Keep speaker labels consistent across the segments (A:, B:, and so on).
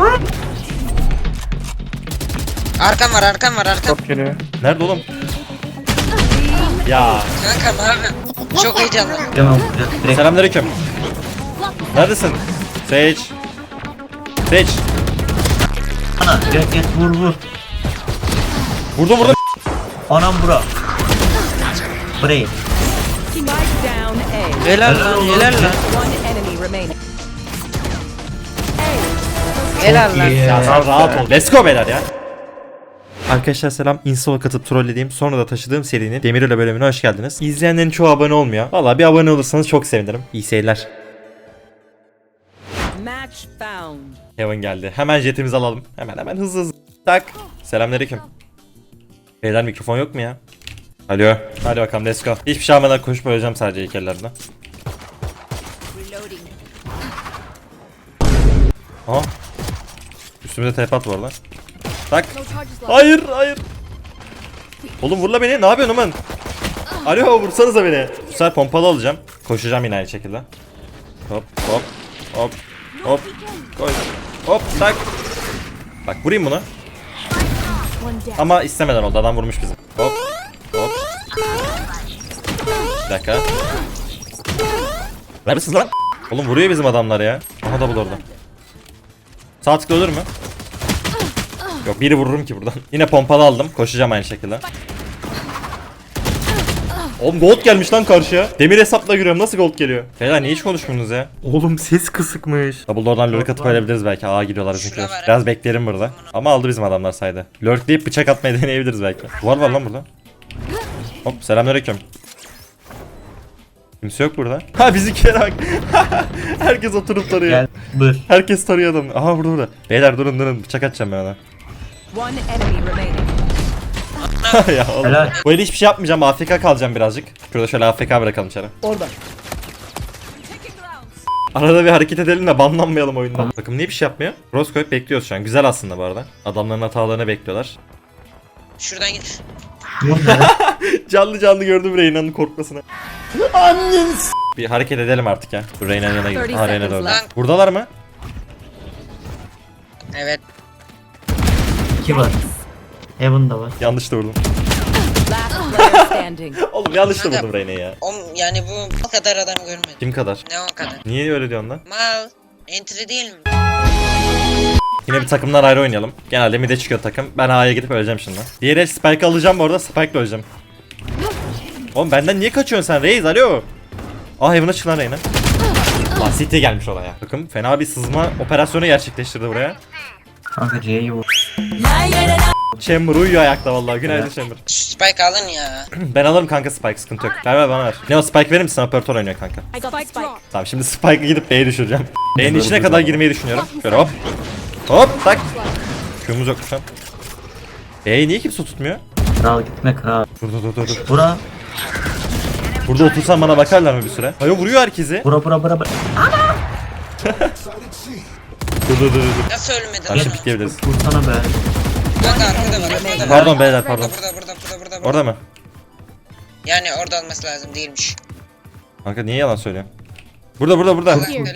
A: Arkam var, arkam var, arkam.
B: Çok geliyor.
C: Nerede oğlum? Ya.
A: Kanka abi. Çok heyecanlı.
D: Tamam. Direkt
C: Selamünaleyküm. Neredesin? Sage. Sage.
D: ana. Direkt vur.
C: Vurdum.
D: Anam bura. Burayı.
E: Spike down A.
A: Helal lan, helal lan.
E: One enemy remaining.
A: Helal lan.
C: Ya sen rahat ol. Let's go beyler ya. Arkadaşlar selam. Install'a katıp trollediğim sonra da taşıdığım serinin Demiröle bölümüne hoş geldiniz. İzleyenlerin çoğu abone olmuyor. Valla bir abone olursanız çok sevinirim. İyi seyirler.
E: Match found.
C: Heaven geldi. Hemen jetimizi alalım. Hemen hızlı. Tak. Selamünaleyküm. Beyler mikrofon yok mu ya? Alo. Hadi bakalım let's go. Hiçbir şey almadan koşup öleceğim sadece ilk ellerine. Aha. Üstümüze TP at var lan. Tak. Hayır. Oğlum vurla beni. Ne yapıyorsun oğlum? Alo vursanıza beni. Bu sefer pompalı alacağım. Koşacağım yine aynı şekilde. Hop. Koy. Hop tak. Bak vurayım bunu. Ama istemeden oldu. Adam vurmuş bizim. Hop. Bir dakika. Neredesiniz lan? Oğlum vuruyor bizim adamlar ya. Aha double orada. Sağ tıkla ölür mü? Yok biri vururum ki buradan. Yine pompalı aldım. Koşacağım aynı şekilde. Oğlum gold gelmiş lan karşıya. Demir hesapla giriyorum. Nasıl gold geliyor? Beyler niye hiç konuşmuyorsunuz ya? Oğlum ses kısıkmış. Double door'dan lurk atıp ölebiliriz belki. Aa gidiyorlar bizimkiler.
A: Şurada var.
C: Biraz beklerim burada. Ama aldı bizim adamlar saydı. Lurkleyip bıçak atmayı deneyebiliriz belki. Duvar var lan burada. Hop selamünaleyküm. Kimse yok burada. Ha bizimkilere bak. Herkes oturup tarıyor.
D: Gel. Bır.
C: Herkes tarıyor adamı. Aha burada. Beyler durun bıçak atacağım ben ona.
E: One enemy remaining.
C: Ya oğlum.
D: Helal.
C: Bu eli hiçbir şey yapmayacağım. AFK kalacağım birazcık. Şurada şöyle AFK bırakalım içeri.
B: Orada.
C: Arada bir hareket edelim de banlanmayalım oyundan. Bakın niye bir şey yapmıyor? Rose koyup bekliyoruz şu an. Güzel aslında bu arada. Adamların hatalarını bekliyorlar.
A: Şuradan git.
C: Canlı gördüm Reyna'nın korkmasını. Bir hareket edelim artık ya. Dur Reyna'nın yanına gidelim.
E: 30
C: Aha Reyna da
E: seconds
C: orada.
A: left.
C: Buradalar mı?
A: Evet.
D: 2 var. Heaven'da var.
C: Yanlış da vurdum.
E: Last player standing.
C: Oğlum yanlış da vurdum Reyna'yı ya.
A: Yani bu kadar adam görmedim.
C: Kim kadar?
A: Ne o kadar?
C: Niye öyle diyorsun lan?
A: Mal. Entry değil mi?
C: Yine bir takımdan ayrı oynayalım. Genelde mid'e çıkıyor takım. Ben A'ya gidip öleceğim şimdi. Diğer el Spike'ı alacağım bu arada. Spike'la öleceğim. Oğlum benden niye kaçıyorsun sen Reis? Alo. Aa Heaven'a çık lan Reyna. Lan City gelmiş olaya. Takım fena bir sızma operasyonu gerçekleştirdi buraya.
D: Kanka C'yi vur.
C: Chamber uyuyor ayakta vallahi. Günaydın Chamber.
A: Şu Spike alın ya.
C: Ben alırım kanka Spike sıkıntı yok. Ver bana ver. Ne o Spike verir misin? Operatör oynuyor kanka.
E: Spike drop.
C: Tamam şimdi Spike'ı gidip B'ye düşüreceğim. B'nin içine kadar girmeyi düşünüyorum. Şöyle hop. Hop tak. Q'muz yok şu an. B'yi niye kimse tutmuyor?
D: Kral gitme kral.
C: Dur.
D: Bura.
C: Burada otursan bana bakarlar mı bir süre? Hayır vuruyor herkesi.
D: Bura.
C: Dur.
A: Nasıl ölmedin
C: Karşı
A: lan?
C: pikleyebiliriz.
D: Vursana be.
A: Kanka arkada var.
C: Pardon beyler pardon.
A: Burada.
C: Orada mı?
A: Yani orada olması lazım değilmiş.
C: Kanka niye yalan söylüyorsun? Burada.
A: Allah söylemedim.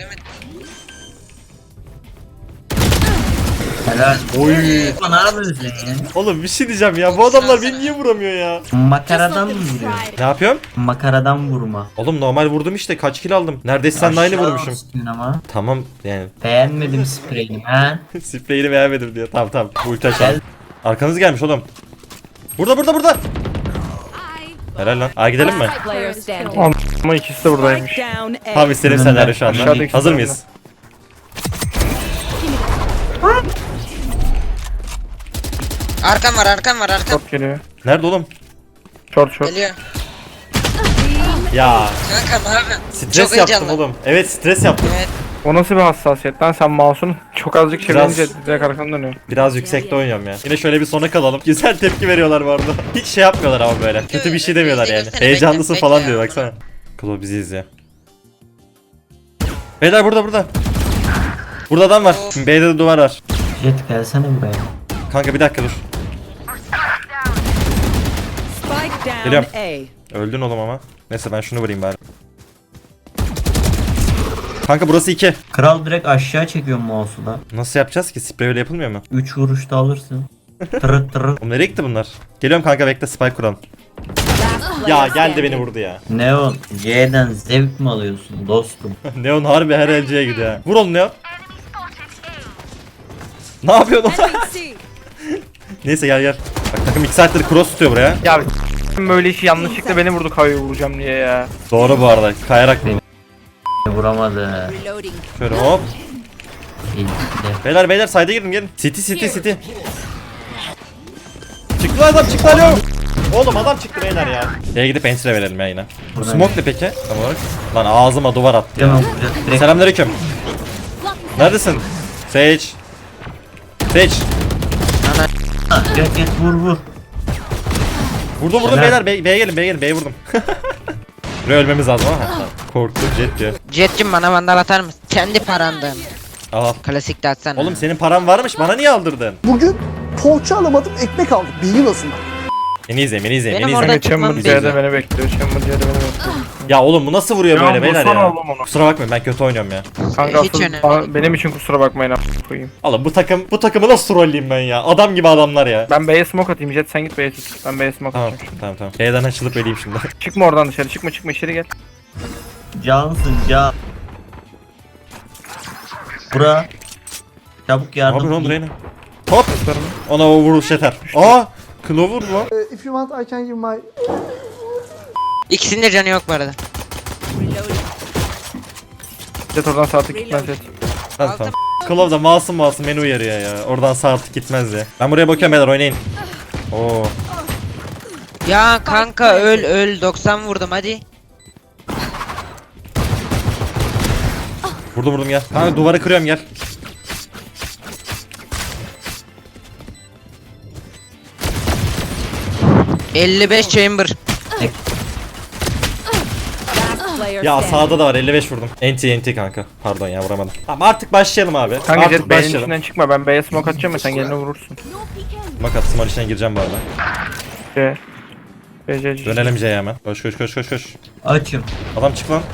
D: Helal.
C: Oy.
D: Ne yapıyorsun ya?
C: Oğlum bir şey diyeceğim ya. Bu adamlar beni niye vuramıyor ya?
D: Makaradan mı vuruyor?
C: Ne yapıyorum?
D: Makaradan vurma.
C: Oğlum normal vurdum işte. Kaç kill aldım? Neredeyse sen de aynı
D: Aşağı
C: vurmuşum.
D: olsun ama.
C: Tamam yani.
D: Beğenmedim spreyini ha.
C: Spreyini beğenmedim diyor. Tamam. Bu ulti açalım.
D: Gel.
C: Arkanız gelmiş oğlum. Burada. Helal lan. Aa gidelim mi?
E: Last player standing.
B: Ama ikisi de buradaymış.
E: Spike down A.
C: Tam istediğim senaryo şu anda.
B: Aşağıdaki
C: Hazır
B: sırada.
C: mıyız?
A: Arkam var.
B: Çok geliyor.
C: Nerede oğlum?
B: Short.
A: Geliyor.
C: Ya
A: Kanka ne yapıyorsun?
C: stres
A: Çok
C: yaptım
A: heyecanlı.
C: oğlum. Evet stres yaptım.
A: Evet.
B: O nasıl bir hassasiyet lan, sen mouse'un çok azıcık çevirince
C: Biraz-
B: direkt arkanı dönüyor.
C: Biraz yüksekte oynuyorum ya. Yine şöyle bir sona kalalım. Güzel tepki veriyorlar bu arada. Hiç şey yapmıyorlar ama böyle. Kötü bir şey demiyorlar yani.
A: Bekle,
C: Heyecanlısın
A: bekle
C: falan
A: ya.
C: diyor baksana. Klo bizi izliyor. Beyler burada. Burada adam var.
A: Of.
C: B'de de duvar var.
D: Jet gelsene buraya.
C: Kanka bir dakika dur.
E: Spike down
C: Geliyorum.
E: A.
C: Öldün oğlum ama. Neyse ben şunu vurayım bari. Kanka burası 2.
D: Kral direkt aşağı çekiyor mouse'u da.
C: Nasıl yapacağız ki? Sprey öyle yapılmıyor mu?
D: 3 vuruşta alırsın. Tırıt tırıt.
C: Oğlum nereye gitti bunlar? Geliyorum kanka, bekle, spike kuralım.
E: Last
C: Ya
E: player
C: geldi
E: standing.
C: beni vurdu ya.
D: Neon C'den zevk mi alıyorsun dostum?
C: Neon harbi her elciye gidiyor ya. Vur oğlum Neon. Ne yapıyorsun oğlum? Neyse gel gel. Bak takım 2 saattir cross tutuyor buraya.
B: Ya böyle işi yanlışlıkla beni vurdu kayıyor vuracağım diye ya.
C: Doğru bu arada. Kayarak vurdu.
D: Vuramadı.
E: Reloading.
C: Şöyle hop.
D: İlkte.
C: Beyler sayda girin gelin. City. Çıktı lan adam, çıktı alo. Oğlum adam çıktı beyler ya. Şeye gidip entry verelim ya yine. Bu smoke ne peki? Tam olarak. Lan ağzıma duvar attı ya.
D: Hemen vuracağız direkt.
C: Selamünaleyküm. Neredesin? Sage.
D: Ha, Get vur.
C: Vurdum
D: Helal.
C: beyler. B'ye gelin. B'ye vurdum. Buraya ölmemiz lazım ama. Korktum jet diyor.
A: Jet'cim bana vandal atar mısın? Kendi parandan.
C: Aha.
A: Klasik de atsana.
C: Oğlum senin paran varmış, bana niye aldırdın?
F: Bugün poğaça alamadım, ekmek aldım. Bilgin olsun.
C: Beni izleyin.
A: Benim orada
B: Kanka
A: çıkmam
B: Chamber C'de
A: lazım.
B: beni bekliyor. Chamber C'de beni bekliyor.
C: Ya oğlum bu nasıl vuruyor
B: Ya
C: böyle beyler
B: vursana
C: ya?
B: oğlum onu.
C: Kusura bakmayın, ben kötü oynuyorum ya.
B: Kanka
A: Hiç
B: asıl
A: önemli
B: benim için kusura bakmayın koyayım.
C: Oğlum bu takımı nasıl trolleyeyim ben ya? Adam gibi adamlar ya.
B: Ben B'ye smoke atayım. Jet sen git B'ye tut. Ben B'ye smoke
C: Tamam
B: atacağım.
C: tamam. B'den açılıp öleyim şimdi.
B: Çıkma oradan dışarı. Çıkma içeri gel.
D: Cansın can. Bura. Çabuk
C: Ne yapıyorsun oğlum
D: yardım.
C: Reyna? Hop! Ona o vuruş yeter. Aa! Klo vurdu lan.
F: If you want, I can give my...
A: İkisinin de canı yok bu arada.
B: Jet oradan sağ tık gitmez Jet.
C: Tamam tamam. Klo da masum beni uyarıyor ya. Oradan sağ artık gitmez ya. Ben buraya bakıyorum beyler, oynayın. Oo.
A: Ya kanka öl 90 vurdum hadi.
C: Vurdum gel. Kanka duvarı kırıyorum gel.
A: ...55 chamber.
E: Last player
C: Ya
E: standing.
C: sağda da var, 55 vurdum. NT kanka. Pardon ya, vuramadım. Tamam artık başlayalım abi.
B: Kanka
C: artık
B: Jet B'nin
C: başlayalım.
B: içinden çıkma. Ben B'ye smoke atacağım ya sen geline vurursun.
C: Makat small içine gireceğim bu arada.
B: C. C.
C: Dönelim C'ye hemen. Koş.
D: Açım.
C: Adam çık lan.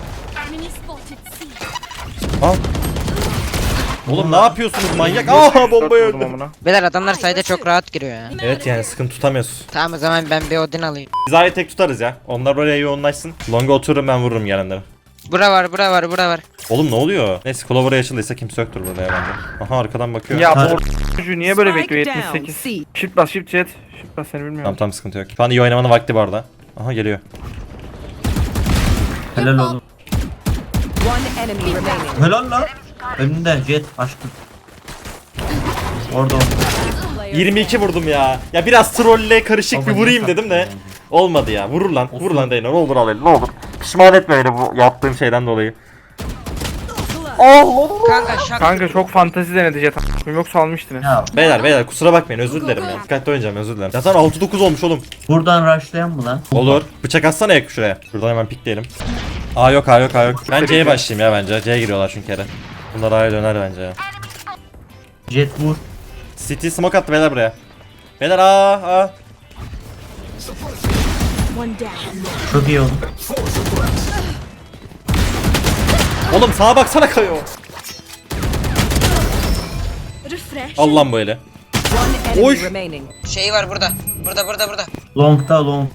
C: Al. Oğlum ne yapıyorsunuz manyak? Aha bombayı öldüm.
A: Beyler adamlar sayda çok rahat giriyor ya.
C: Evet yani sıkıntı tutamıyoruz.
A: Tamam o zaman ben bir Odin alayım.
C: Biz A'yı tek tutarız ya. Onlar buraya yoğunlaşsın. Long'a otururum, ben vururum gelenlere.
A: Bura var.
C: Oğlum ne oluyor? Neyse Clover'a açıldıysa kimse yoktur burada ya bence. Aha arkadan bakıyor.
B: Ya
D: Ha.
B: bu çocuğu niye böyle
E: Spike
B: bekliyor
E: down,
B: 78.
E: C.
B: Shift bas Shift Jet. Shift bas seni bilmiyorum.
C: Tamam sıkıntı yok. Şu an iyi oynamanın vakti bu arada. Aha geliyor.
D: Helal oğlum.
E: One enemy remaining.
D: Helal lan. Önünde Jet aşkım. Orada.
C: 22 vurdum ya. Ya biraz trolle karışık bir vurayım dedim de. Olmadı ya. Vur lan Reyna. Ne olur al beni, ne olur. Pişman etme beni bu yaptığım şeyden dolayı.
A: Kanka şak.
B: Kanka çok fantezi denedi Jet. Yoksa almıştın.
D: Ya
C: Beyler kusura bakmayın, özür dilerim ya. Dikkatli oynayacağım, özür dilerim. Zaten 6-9 olmuş oğlum.
D: buradan rushlayan mı lan?
C: Olur. Bıçak atsana yak şuraya. Şuradan hemen pikleyelim. A yok. Ben C'ye başlayayım ya bence. C'ye giriyorlar çünkü kere. Bunlar A'ya döner bence ya.
D: Jet vur.
C: City smoke attı beyler buraya. Beyler A.
D: Çok iyi oldu.
C: Oğlum sağa baksana kayıyor. Al lan böyle.
E: One enemy
C: Oy.
E: remaining.
A: Şey var burada. Burada.
D: Long'da long.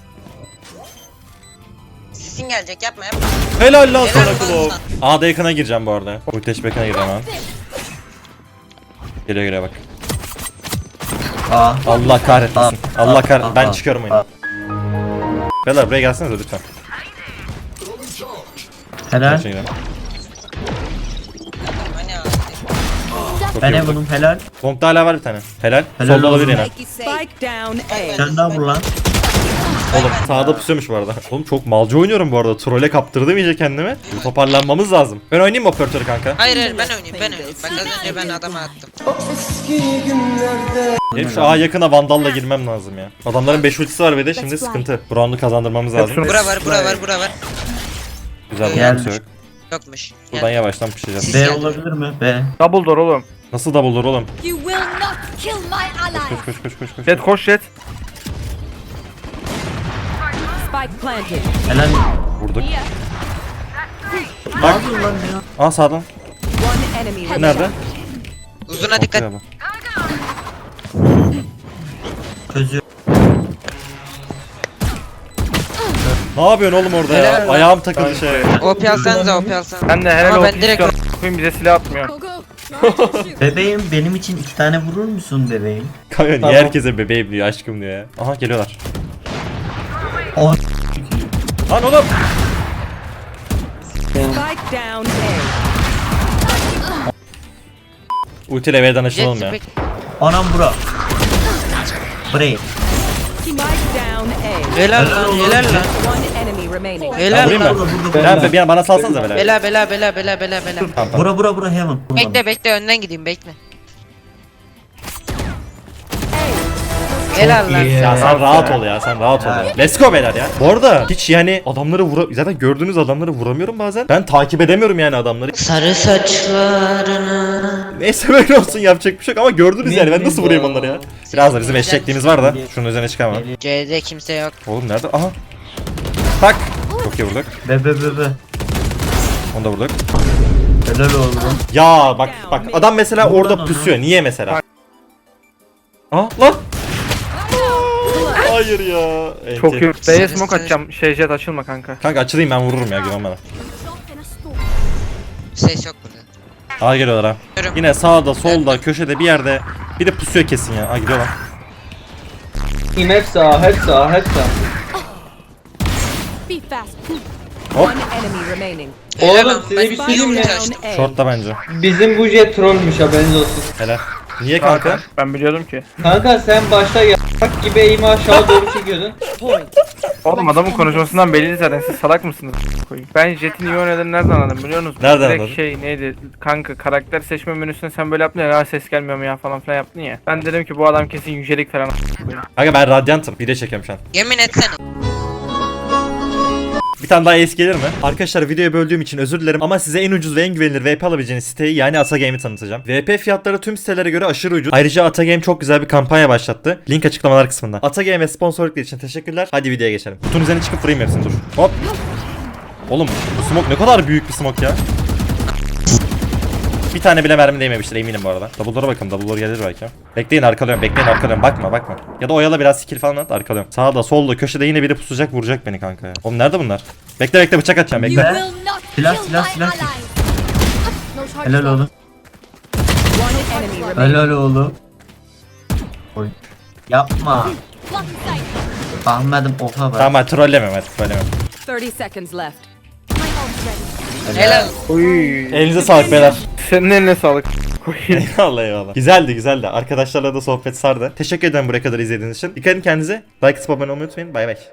A: Sesin gelecek yapma.
C: Helal lan sana
A: Helal
C: Klov.
A: olsun.
C: A'da yakına gireceğim bu arada. Ulteş bekine gireceğim ha. Geliyor bak.
D: Aa.
C: Allah kahretmesin. Allah kahretmesin. Ben
D: Aa.
C: çıkıyorum oyunu. Beyler buraya gelsenize lütfen.
D: Helal.
C: Şey girelim.
A: Hani abi.
C: Çok
D: Ben
C: iyi oldu.
D: Evan'ım helal.
C: Long'da hala var bir tane. Helal.
D: Helal
C: Solda olabilir
D: olsun.
C: yine.
E: Spike down A.
D: Sen daha vur lan.
C: Oğlum sağda pusuyormuş bu arada. Oğlum çok malca oynuyorum bu arada. Trolle kaptırdım iyice kendimi. Bir toparlanmamız lazım. Ben oynayayım mı operatörü kanka?
A: Hayır ben oynayayım. Bak az önce ben adama attım.
C: Benim şu A yakına vandalla girmem lazım ya. Adamların 5 ultisi var ve de şimdi sıkıntı. Bu roundu kazandırmamız lazım.
B: Hepsini-
A: Bura var.
C: Güzel bir
D: Gelmiş.
C: kimse yok.
A: Yokmuş.
C: Buradan yavaştan pişeceğiz.
D: B olabilir mi? B.
B: Double door oğlum.
C: Nasıl double door oğlum?
G: You will not kill my ally.
C: Koş.
B: Jet koş Jet.
E: Spike planted.
D: Helal.
C: Vurduk.
D: Ne yapıyorsun lan ya?
C: Aa sağdan.
E: One enemy
C: Bu
E: remaining.
C: nerede?
A: Uzuna dikkat.
C: Ortaya bak.
D: Çözüyor.
C: Ne yapıyorsun oğlum orada ya?
A: Helal lan.
C: Ayağım takıldı şey.
A: OP alsanıza OP alsanıza.
B: Ben de helal
A: Ama ben
B: olsun
A: direkt
B: istiyorum. Koyun bize silah atmıyor.
G: Go go. Now I can shoot.
D: Bebeğim benim için 2 tane vurur musun bebeğim?
C: Kanka niye
D: Tamam.
C: herkese bebeğim diyor, aşkım diyor ya. Aha geliyorlar.
D: O
C: Lan oğlum.
E: Spike down A.
C: Ultiyle V'den açılalım ya.
A: Jet
D: anam bura. Burayı.
E: Spike down A.
A: Helal lan helal lan.
E: One enemy remaining.
A: Helal
C: Vurayım
A: lan.
C: mı?
D: Burada.
C: Ben bir bana salsanıza bela.
A: Bela bela bela bela bela bela.
C: Tamam tamam.
D: Bura heaven.
A: Bekle bekle önden gideyim bekle. Helal lan.
C: Ya sen rahat ol ya, sen rahat ol ya. Let's go beyler ya. Bu arada hiç yani adamları zaten gördüğünüz adamları vuramıyorum bazen. Ben takip edemiyorum yani adamları.
A: Sarı saçlarını.
C: Neyse böyle olsun, yapacak bir şey yok ama gördünüz yani, ben nasıl vurayım onları ya. Biraz da bizim eşekliğimiz var da şunun üzerine çıkamam.
A: C'de kimse yok.
C: Oğlum nerede? Aha. Tak. Çok iyi vurduk.
D: Be.
C: Onu da vurduk.
D: Helal oğlum.
C: Ya bak adam mesela
D: Buradan
C: orada
D: onu.
C: pusuyor. Niye mesela? Aa lan. Hayır ya.
B: Çok iyi. B'ye
A: Sarı
B: smoke atacağım. Jet açılma kanka.
C: Kanka açılayım, ben vururum ya, güven bana.
A: Ses yok burada.
C: Aa geliyorlar ha.
A: Görüyorum.
C: Yine sağda, solda, köşede bir yerde. Bir de pusuyor kesin ya. Aa gidiyorlar.
H: Hep sağ.
G: Be fast.
C: Hop.
E: One enemy remaining.
A: Helal
H: Oğlum
A: lan,
H: size
A: ben
H: bir şey
E: Spike
H: diyeyim mi?
E: down A.
C: Short'ta bence.
H: Bizim bu jet trollmüş, haberiniz olsun.
C: Helal. Niye kanka?
B: Ben biliyordum ki.
H: Kanka sen başta yaprak gibi eğimi aşağı doğru çekiyordun.
E: Point.
B: Oğlum adamın konuşmasından belliydi zaten, siz salak mısınız? Koyayım. Ben Jet'in iyi oynadığını nereden anladım biliyor musunuz?
C: Nereden
B: Direkt
C: anladın?
B: şey neydi kanka, karakter seçme menüsünde sen böyle yaptın ya, ses gelmiyor mu ya falan filan yaptın ya. Ben dedim ki bu adam kesin yücelik falan koyayım.
C: Kanka ben radyantım. Video çekiyorum şu an.
A: Yemin etsene.
C: Bir tane daha ace gelir mi? Arkadaşlar videoyu böldüğüm için özür dilerim ama size en ucuz ve en güvenilir VP alabileceğiniz siteyi, yani Atagame'i tanıtacağım. VP fiyatları tüm sitelere göre aşırı ucuz. Ayrıca Atagame çok güzel bir kampanya başlattı. Link açıklamalar kısmında. Atagame ve sponsorlukları için teşekkürler. Hadi videoya geçelim. Kutunun üzerine çıkıp vurayım hepsini, dur. Hop. Oğlum bu smoke ne kadar büyük bir smoke ya. Bir tane bile mermi değmemiştir eminim bu arada. Double'lara bakın, double'lar gelir belki. Bekleyin, arkalıyorum. Bakma. Ya da oyala biraz, skill falan at, arkalıyorum. Sağda, solda, köşede yine biri pusacak, vuracak beni kanka ya. Oğlum nerede bunlar? Bekle bıçak atacağım,
G: You
C: bekle.
G: will not
D: Silah,
G: kill
D: silah,
G: my
D: silah.
G: allies. No charges.
D: Helal oğlum.
E: One enemy remaining.
D: Helal oğlum. Oy. Yapma.
G: Block sight.
D: Ahmet'im oha bak.
C: Tamam trollemem hadi, trollemem.
E: 30 seconds left.
G: My ult's ready.
A: Helal.
B: Oy.
C: Elinize sağlık beyler.
B: Senin eline sağlık. Koyayım.
C: Eyvallah. Güzeldi. Arkadaşlarla da sohbet sardı. Teşekkür ederim buraya kadar izlediğiniz için. Dikkat edin kendinize. Like atıp abone olmayı unutmayın. Bay bay.